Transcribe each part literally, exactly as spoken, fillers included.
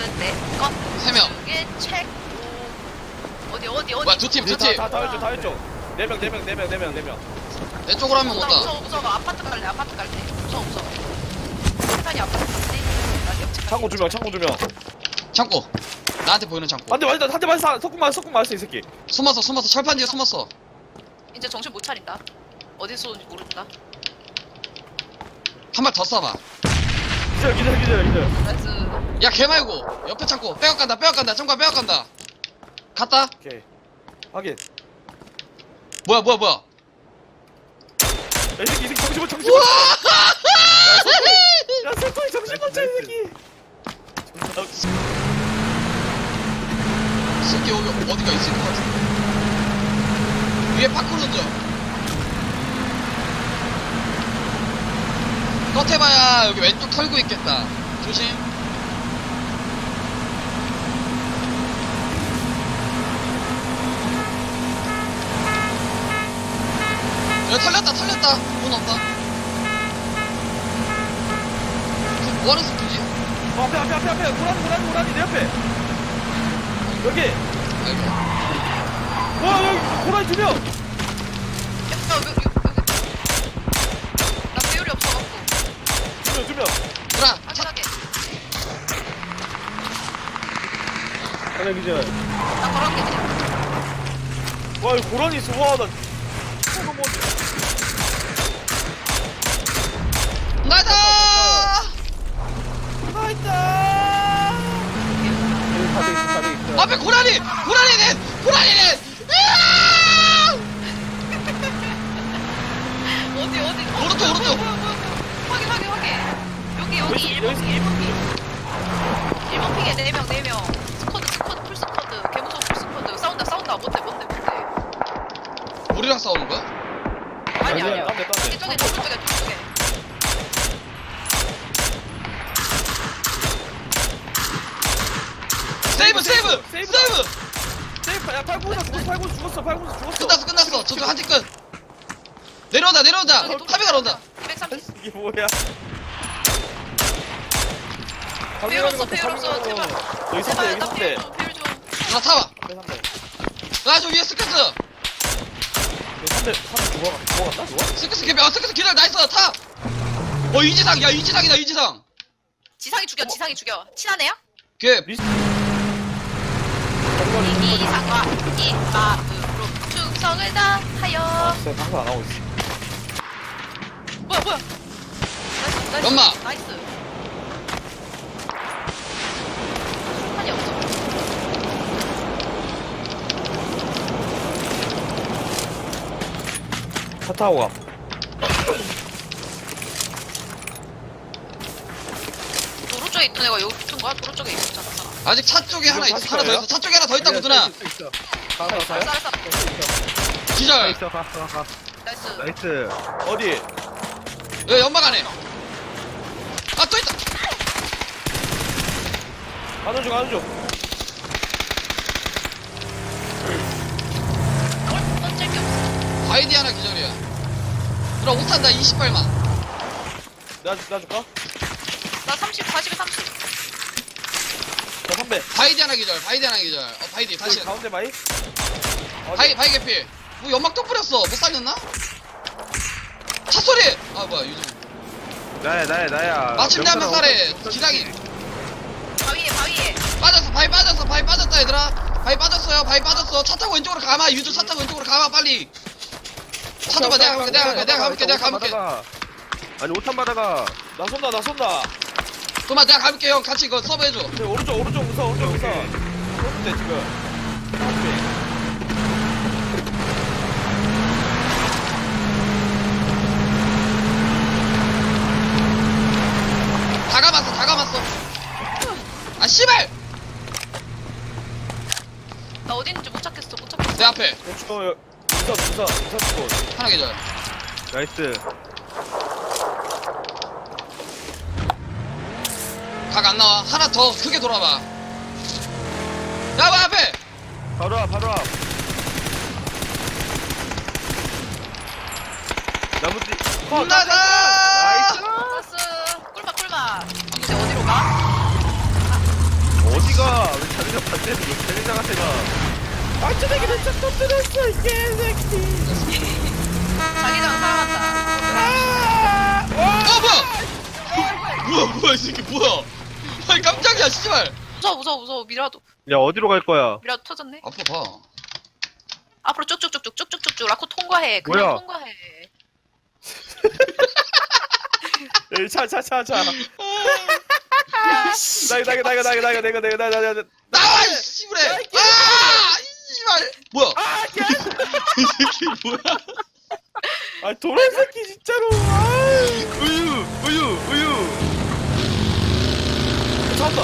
내것 세 명. 중에 책 어디 어디 어디 뭐야, 두 팀, 두 팀. 다다 왼쪽 다 왼쪽. 네 명 네 명 네 명 네 명 네 명. 내 쪽으로 한 명 나 온다. 무서워 무서워 아파트 갈래 아파트 갈래 무서워 무서워 편이 아파트 갈래 나 옆집 창고 두 명 창고 두 명. 창고. 나한테 보이는 창고. 안돼 맞다 한대 맞았어. 석궁 맞았어 석궁 맞았어 이 새끼. 숨었어, 숨었어. 철판 뒤에 숨었어. 이제 정신 못 차린다 어디서 온지 모른다 한 발 더 쏴봐. 기절 기절 기절 기절. 나이스 야, 걔 말고. 옆에 창고. 빼앗 간다, 빼앗 간다. 창고야, 빼앗 간다. 갔다. 오케이. 확인. 뭐야, 뭐야, 뭐야. 야, 이 새끼 이 새끼 정신 못 정신 우와! 못. 야 석궁이 정신 못 차려 이 새끼. 이 새끼 여기 어디가 있을 것 같은데. 위에 파쿠르 던져. 컷 해봐야 여기 왼쪽 털고 있겠다. 조심. 야, 털렸다, 털렸다. 문 없다. 지금 뭐하는 스피지? 어, 앞에 앞에 앞에 앞에 고라니 고라니 고라니 내 옆에. 여기. 아이고. 와 여기 고라니 두 명. 야 여기 여기 여기 나 배율이 없어갖고 두 명 두 명. 누나, 차, 확실하게 하나 기절. 나 걸어갈게 그냥 와 여기 고라니 있어. 와 나. 너무 먼데. 나다! 아 있다. 앞에 고라니! 고라니는! 고라니는! 으아! 어디 어디 어, 오른쪽, 뭐야, 오른쪽. 뭐야, 뭐야, 뭐야. 확인 확인 확인 여기 여기 여기, 일 번 여기. 핑 일 번 핑 일 번 핑에 네 명 네 명 스쿼드 스쿼드 풀 스쿼드 개무서운 풀 스쿼드 싸운다 싸운다 뭔데 뭔데 뭔데 우리랑 싸우는 거야? 아니 아니야, 아니야 딴 데, 딴 데. 저기 저기 저쪽에 저쪽에 세이브, 세이브! 세이브다. 세이브! 세이프 야 팔고서 죽었어 팔고서 죽었어 팔고서 죽었어. 끝났어, 끝났어. 저쪽 한팀 끝. 내려온다, 내려온다. 저기 또 카메가 온다. 이백삼십 이게 뭐야? 배율 없어 배율 없어 제발 여기 삼 대 제발 여기 나 삼 배율 대. 좀 배율 좀 누나 타봐. 삼 대. 나 저 위에 스크스. 삼 대 삼 대 죽어 죽어갔나 죽어? 스크스 개비. 어, 스크스 기다려. 나이스. 타. 어, 이지상. 야, 이지상이다, 이지상. 지상이 죽여 지상이 죽여 친한 애야? 걔 리스. 이상과 이마음으로 충성을 다하여 진짜 방송 안 하고 있어. 뭐야 뭐야 나이스 나이스 연마. 나이스 한이 없어 차 타고 가. 도로 쪽에 있던 애가 여기 붙은 거야? 도로 쪽에 있었잖아 사람. 아직 차 쪽에 하나 있어. 다시 하나 더 가요? 있어. 차 쪽에 하나 더 있다고, 누나. 있어 있어. 알았어 가요? 알았어 기절. 있어 가 가 가. 나이스 나이스. 어디? 여기 연막 안에. 아, 또 있다. 가는 중 가는 중. 뭘 던질 게 없어 바이디 하나 기절이야. 누나 옷 탄다. 이십 발만. 내가 줄- 내가 줄까? 나 삼십 사십에 삼십 자 삼 대. 바이디 하나 기절. 바이디 하나 기절. 어, 바이디 다시. 여기 가운데 바이. 어디? 바이, 바이 개피. 뭐 연막 또 뿌렸어. 못 살렸나? 차 소리. 아, 뭐야, 유준. 나야 나야 나야 마침내 한 명 살해. 기상이. 바위에 바위에 빠졌어. 바위 빠졌어. 바위 빠졌다, 얘들아. 바위 빠졌어요. 바위 빠졌어. 차 타고 왼쪽으로 가마. 유준 차 타고 왼쪽으로 가마, 빨리. 차 줘봐. 내가 가볼게. 내가 가볼게. 내가 가볼게. 내가 가볼게. 아니 오탄 받아가. 나 쏜다 나 쏜다. 그만 내가 가볼게. 형 같이 이거 서브 해줘. 네, 오른쪽 오른쪽 우선 오른쪽 우선. 쏘는데 지금. 다 감았어. 다 감았어. 아, 씨발. 나 어디 있는지 못 찾겠어 못 찾겠어 내 앞에. 저 우선 우선 우선 쏘. 하나 기절. 나이스. 각 안 나와. 하나 더 크게 돌아봐. 야, 뭐 앞에. 바로 앞 바로 앞. 나무 뒤. 혼나다. 나이스. 나이스 꿀맛 꿀맛 이제 어디로 가? 어디가? 왜 자기장 반대로 자기장한테 가? 안전하게 왼쪽 터뜨렸어 이 개새끼. 자기장 사랑한다. 아! 어 뭐야 뭐야 뭐야 이 새끼 뭐야 아니 깜짝이야 씨발 무서워 무서워 무서워. 미라도 야, 어디로 갈 거야? 미라도 터졌네. 앞으로 봐 앞으로 쭉쭉쭉쭉 쭉쭉쭉쭉 라코 통과해. 그냥 뭐야? 통과해. 차차차 차. 나가 나가 나가 나가 나가 나가 나가 나가 나가. 나와 이 씨발에 아 씨발 뭐야 아 개. 이 새끼 뭐야 아 도란 새끼 진짜로. 아. 우유, 우유, 우유. 잡다.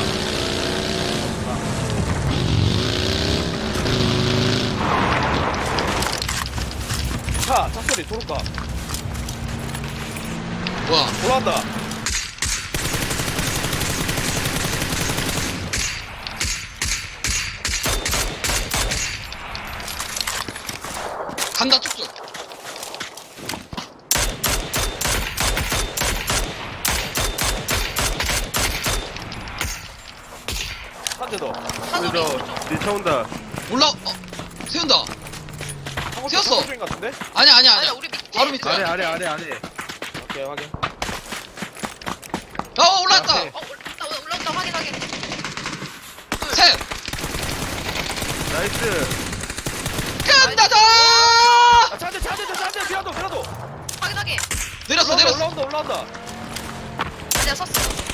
차, 차 소리 도로가 뭐야 올라간다. 간다 쭉쭉 한 대 더. 사소리 그래서 오른쪽. 니차 온다. 올라 어 세운다 세웠어. 인 같은데? 아니야 아니야 아니야 아니야 우리 밑에. 바로 밑에. 아래, 아래, 아래, 아래. 오케이 확인. 어 올라왔다 앞에. 어 올라온다 올라온다 확인 확인. 셋 나이스. 끝나자 아 차대 차대 차대 미라도 미라도. 확인 확인. 내렸어 올라온다, 내렸어 올라온다 올라온다. 아니야 섰어.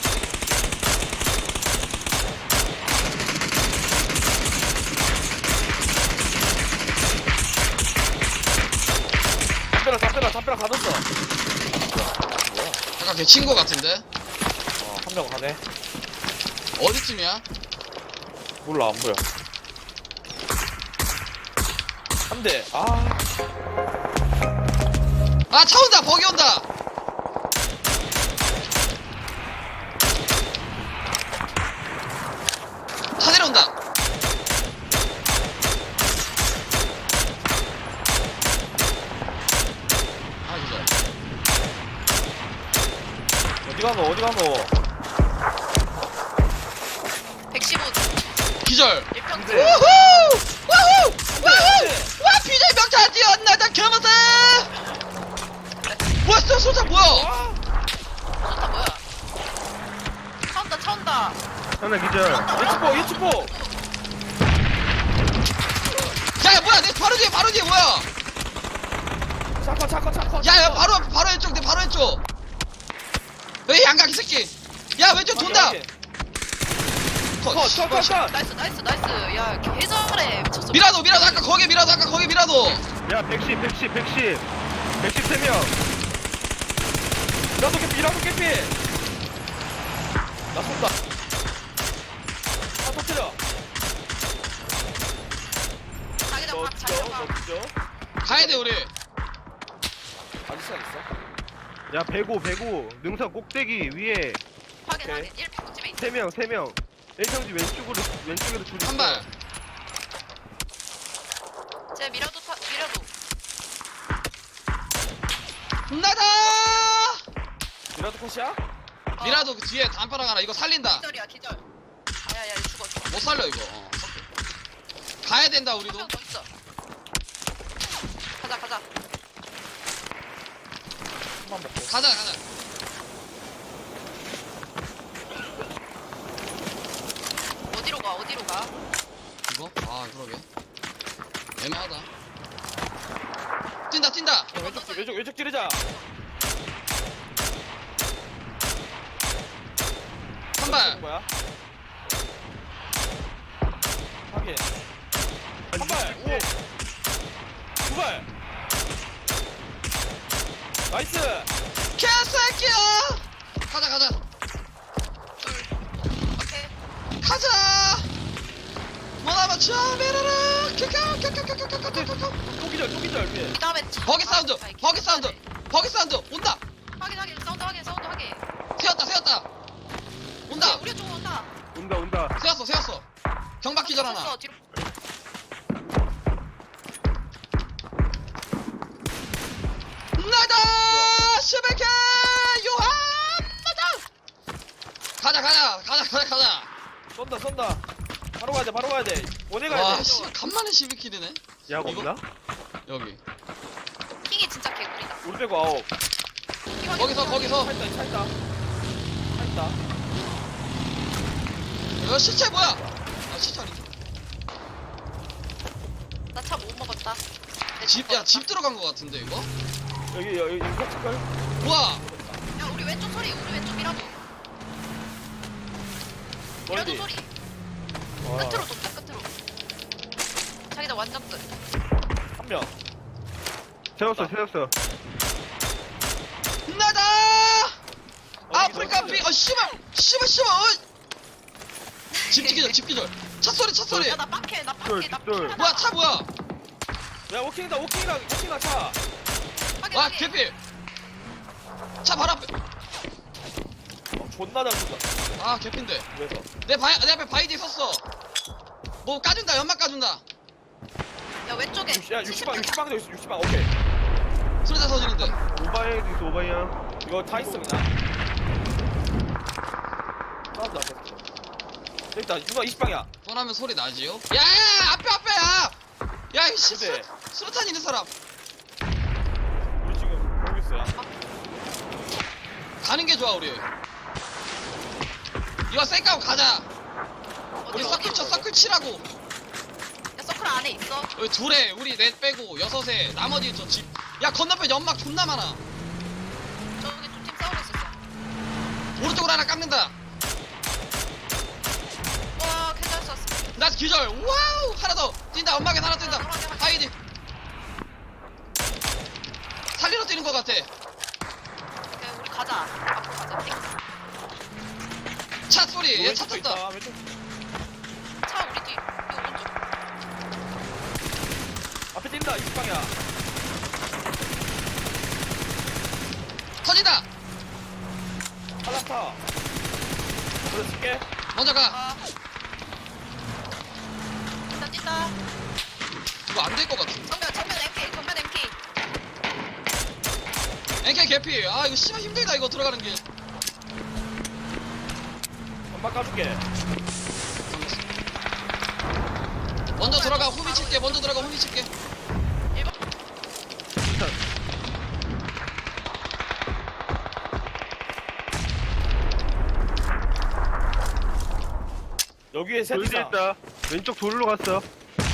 잡혀라 잡혀라 잡혀라 가뒀어. 잠깐 걔 친구 같은데 어한 명 가네. 어디쯤이야 몰라 안 보여. 한 대. 아. 아 차 온다 버기 온다 차 내려온다 아 진짜 어디 가노 어디 가노. 백십오 기절 일평지. 우후 우후 우후 와 비절 명차 뛰었나 나 겸었어 뭐야 쏘 쏘자 뭐야 아. 좋다 뭐야. 차 온다 차 온다. 하나 기절. 예치포 예치포. 야 뭐야 내 바로 뒤에 바로 뒤에 뭐야 차커 차커 차커. 야야 바로 앞, 바로 왼쪽 내 바로 왼쪽 에이 양각 이 새끼 야 왼쪽 돈다 컷, 씨, 컷, 씨. 컷컷컷. 나이스 나이스 나이스. 야 개잘해 미쳤어. 미라도 미라도 아까 거기 미라도 아까 거기 미라도 야, 백십, 백십, 백십. 백십 세 명. 미라도 개피 미라도 개피. 나 쏜다. 차 터뜨려. 자기장 너 박 뒤져 자기장 너 박. 뒤져. 가야돼 우리 아직 시간 있어? 야, 백오, 백오. 능선 꼭대기 위에 확인 오케이. 확인. 일평집에 있어. 세 명, 세 명. 일평지 왼쪽으로, 왼쪽으로 둘이. 한발 제 미라도 타 미라도. 나다 미라도 컷이야? 어, 미라도 그 뒤에 단파랑 하나 이거 살린다 기절이야 기절. 야야야 죽어 죽어. 못 살려 이거 어. 가야 된다 우리도 한명더 있어. 가자 가자. 한번 먹고. 가자 가자 어디로 가 어디로 가? 이거? 아 그러게 애매하다 뛴다 뛴다 야, 왼쪽 찌- 왼쪽 왼쪽 찌르자. 한발 뭐야? 확인. 한 발. 오. 두 발. 나이스. 개새끼야 가자 가자 둘. 오케이. 가자 뭐나마 처음이라라 켜켜켜켜켜켜켜켜켜 또 기절 또 기절 위에. 그다음에 차- 버기 사운드 아이, 버기 사운드 네. 버기 사운드 온다 확인 확인 사운드 확인 사운드 확인. 세웠다 세웠다 온다 우리 쪽 온다. 온다, 온다. 세웠어 세웠어 경박 기절 하나 섰어, 뒤로. 나다 슈베케 요한 나다 가자 가자 가자 가자 가자 쏜다 쏜다. 바로 가야 돼, 바로 가야 돼. 원해 가야 와 돼. 씨 간만에 십이 킬이네 약 이거? 없나? 여기 킹이 진짜 개구리다. 우리 빼고 아홉. 킹 어디 거기서 있어? 거기서 차 있다, 차 있다. 차 있다. 야 시체 뭐야 아 시체 아니지 나차 못 먹었다. 내 집, 차 야, 집 먹었다. 들어간 거 같은데, 이거? 여기, 여기, 여기, 이거 걸 우와! 야 우리 왼쪽 소리. 우리 왼쪽 미라도. 미라도 멀리. 소리. 와, 끝으로 돕자 끝으로. 자기다 완전 끝. 한 명. 세웠어 세웠어. 나다! 어, 아프리카 이거 비, 어, 씨발! 씨발, 씨발! 어! 집 기절, 집 기절. 차 소리, 차 소리! 야나 빡해 나 쫄, 빡해 나 쫄. 빡해. 뭐야, 차 뭐야? 야, 워킹이다, 워킹이다, 워킹이다, 차. 와, 개필! 차 바로 앞에. 어, 존나 잘 쏜다. 아, 개핀데. 그래서. 내 바, 내 앞에 바이디 섰어. 뭐 까준다, 연막 까준다. 야 왼쪽에. 육- 야, 육십 방, 육십 방도 있어, 육십 방, 오케이. 소리다 터지는데. 오바이도 있어 오바이야. 이거 다 있어, 그냥. 사운드 안 됐어. 여기 있다, 누가 이십 방이야. 뻔하면 소리 나지요? 야, 야, 야, 앞에, 앞에, 야! 야, 이 씨, 근데- 수류- 수류탄 있는 사람. 우리 지금 보고 있어요. 가는 게 좋아, 우리. 이거 쌩까고 가자. 우리 어디로, 서클 쳐, 어디로? 서클 치라고. 야 서클 안에 있어. 여기 둘에 우리 넷 빼고 여섯에 나머지 저 집. 야 건너편 연막 존나 많아. 저기 두 팀 싸우고 있었어. 오른쪽으로 하나 깎는다. 와 괜찮을 수 없어. 나 기절. 와우 하나 더 뛴다. 연막에 하나 뛴다. 하이디. 살리러 뛰는 것 같아. 오케이 우리 가자. 앞으로 가자. 띵. 차 소리. 얘 차 왼쪽도 탔다. 있다, 왼쪽. 차 우리 뒤. 이 오른쪽. 앞에 뛴다, 이십 방이야. 터진다. 탈락타. 그래, 칠게. 먼저 가. 아. 뛴다 뛴다. 이거 안 될 것 같은데. 정면 정면 엠케이 정면 엠케이. 엔케이 개피. 아 이거 심한 힘들다 이거 들어가는 게. 엄마 까줄게. 먼저 들어가 후미 칠게. 먼저 들어가 후미 칠게. 일 번. 여기에 셋 돌뒤 이상. 있다. 왼쪽 돌로 갔어.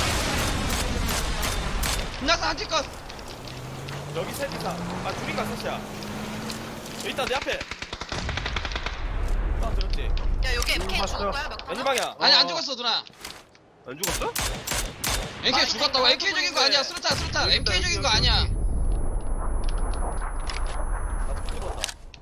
끝났어 한팀 컷. 여기 셋 이상. 아, 둘인가 셋이야. 여기 있다, 내 앞에. 나 들었지? 야 여기 엠케이 봤어. 죽은 거야 몇 왼쪽 번? 방이야. 아니 안 어. 죽었어 누나. 안 죽었어? 엔케이 아니, 죽었다고. 아니, 엔케이 적인 거 아니야. 수류탄 수류탄. 여기 있다, 엔케이 적인 거 여기, 아니야. 여기. 나도 죽었다.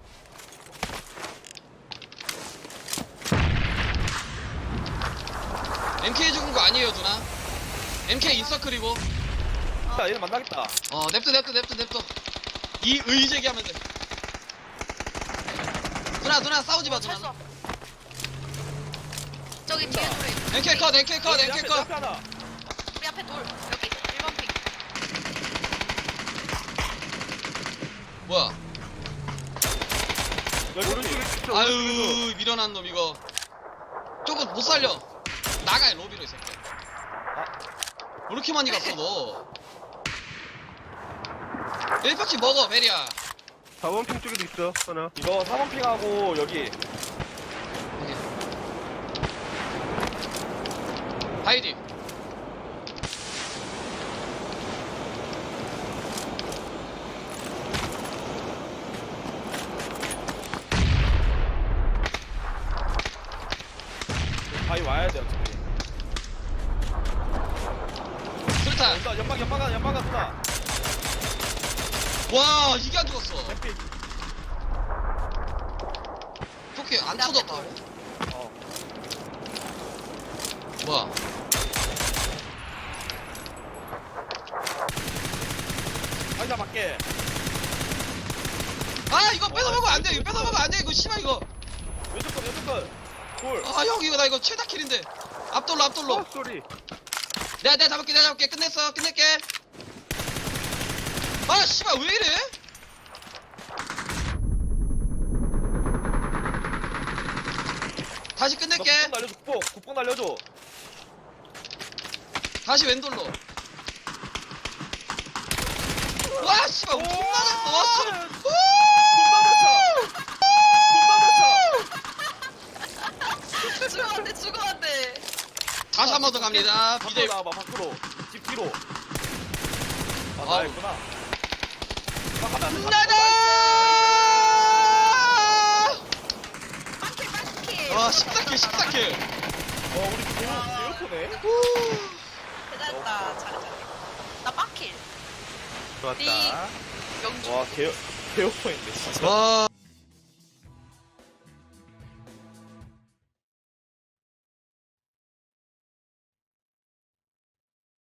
엠케이 죽은 거 아니에요 누나. 엠케이 인서클이고. 나 얘를 만나겠다. 어 냅둬 냅둬 냅둬 냅둬. 이 의제기하면 돼. 누나 누나 싸우지 마 누나. 찰수 없어. 저기 뒤에 돌에. 엔케이 컷 엔케이 컷 내 엔케이 앞에, 내 컷. 앞에 하나. 우리 앞에 돌. 여기 일 번 핑. 뭐야? 여기 오른쪽에 오른쪽에. 있어. 아유 밀어난 놈 이거. 조금 못 살려. 나가 로비로 이 새끼. 왜 이렇게 많이 갔어 너? 일 팩씩 먹어 베리야. 사 번 핑 쪽에도 있어 하나. 이거 삼 번 핑하고 여기. 바이디. 바위 와야 돼, 어차피. 수류탄. 온다, 연막, 연막아, 연막아, 누나. 와 이게 안 죽었어. MP. 토끼 안 내 앞에 터졌다고? 어. 뭐야? 아니, 나 밖에. 아 이거 뺏어먹으면 안 돼. 이거 뺏어먹으면 안 돼. 이거 씨발 이거. 왼쪽 건, 왼쪽 건. 돌. 아 형 이거 나 이거 최다 킬인데. 앞돌로 앞돌로. 어 소리. 내가 내가 잡을게 내가 잡을게 끝냈어 끝낼게. 아 씨발 왜 이래? 다시 나 끝낼게. 국뽕 날려줘 국뽕 국뽕 날려줘. 다시 왼돌로. 와 씨발 돈 맞았어. 와. 돈 맞았어. 죽어 안돼 죽어 안돼. 다시 한 번 더 갑니다. 밖으로 비대. 나와봐 밖으로. 집 뒤로. 아 아우. 나였구나. 나다. 빵킬 빵킬. 와 십사 킬 십사 킬. 어 우리 개요 개요토네. 대단했다. 잘해 잘해. 나 빵킬. 좋았다. 네. 명중. 와 개요 개요토인데 진짜. 와